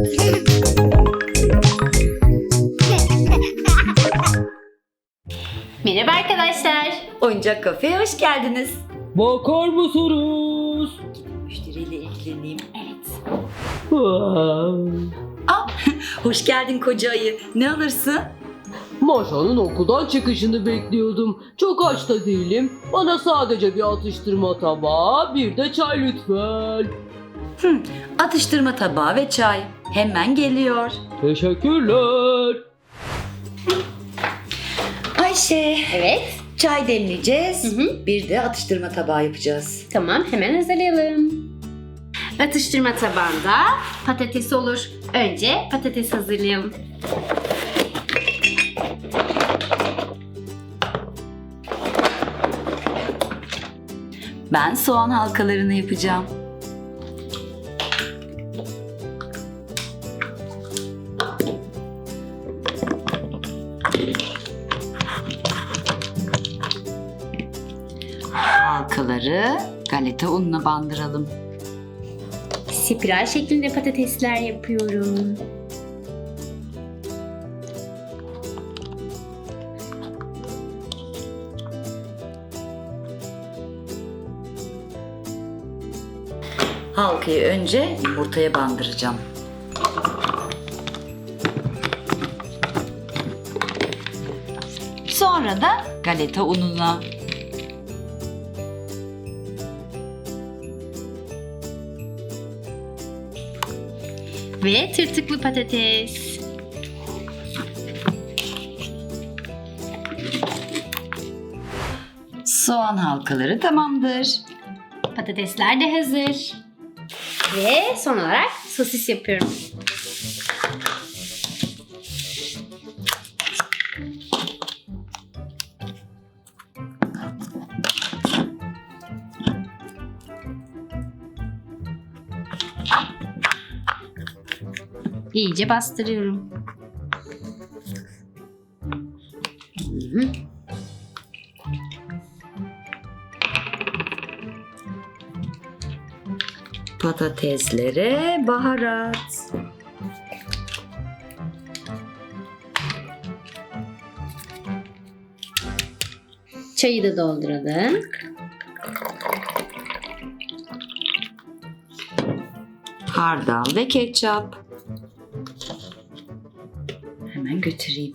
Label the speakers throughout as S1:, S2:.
S1: Merhaba arkadaşlar.
S2: Oyuncak kafeye hoş geldiniz.
S3: Bakar mısınız?
S2: Müşteriyle ilgileneyim.
S1: Evet.
S2: Hoş geldin koca ayı. Ne alırsın?
S3: Maşa'nın okuldan çıkışını bekliyordum. Çok aç da değilim. Bana sadece bir atıştırma tabağı, bir de çay lütfen.
S2: Atıştırma tabağı ve çay. Hemen geliyor.
S3: Teşekkürler.
S2: Ayşe,
S1: Evet.
S2: çay demleyeceğiz.
S1: Hı hı.
S2: Bir de atıştırma tabağı yapacağız.
S1: Tamam, hemen hazırlayalım. Atıştırma tabağında patates olur. Önce patates hazırlayalım.
S2: Ben soğan halkalarını yapacağım. Halkaları galeta ununa bandıralım.
S1: Spiral şeklinde patatesler yapıyorum.
S2: Halkayı önce yumurtaya bandıracağım. Sonra da galeta ununa.
S1: Ve tırtıklı patates.
S2: Soğan halkaları tamamdır.
S1: Patatesler de hazır. Ve son olarak sosis yapıyorum. İyice bastırıyorum. Hı.
S2: Patateslere baharat.
S1: Çayı da dolduralım.
S2: Hardal ve ketçap. Hemen götüreyim.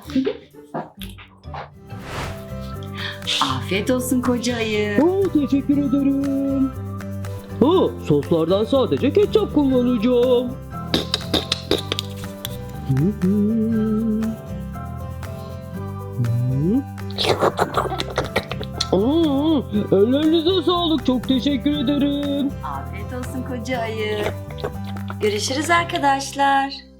S2: Afiyet olsun koca ayı.
S3: Teşekkür ederim. Soslardan sadece ketçap kullanacağım. Ellerinize sağlık. Çok teşekkür ederim.
S2: Afiyet olsun koca ayı. Görüşürüz arkadaşlar.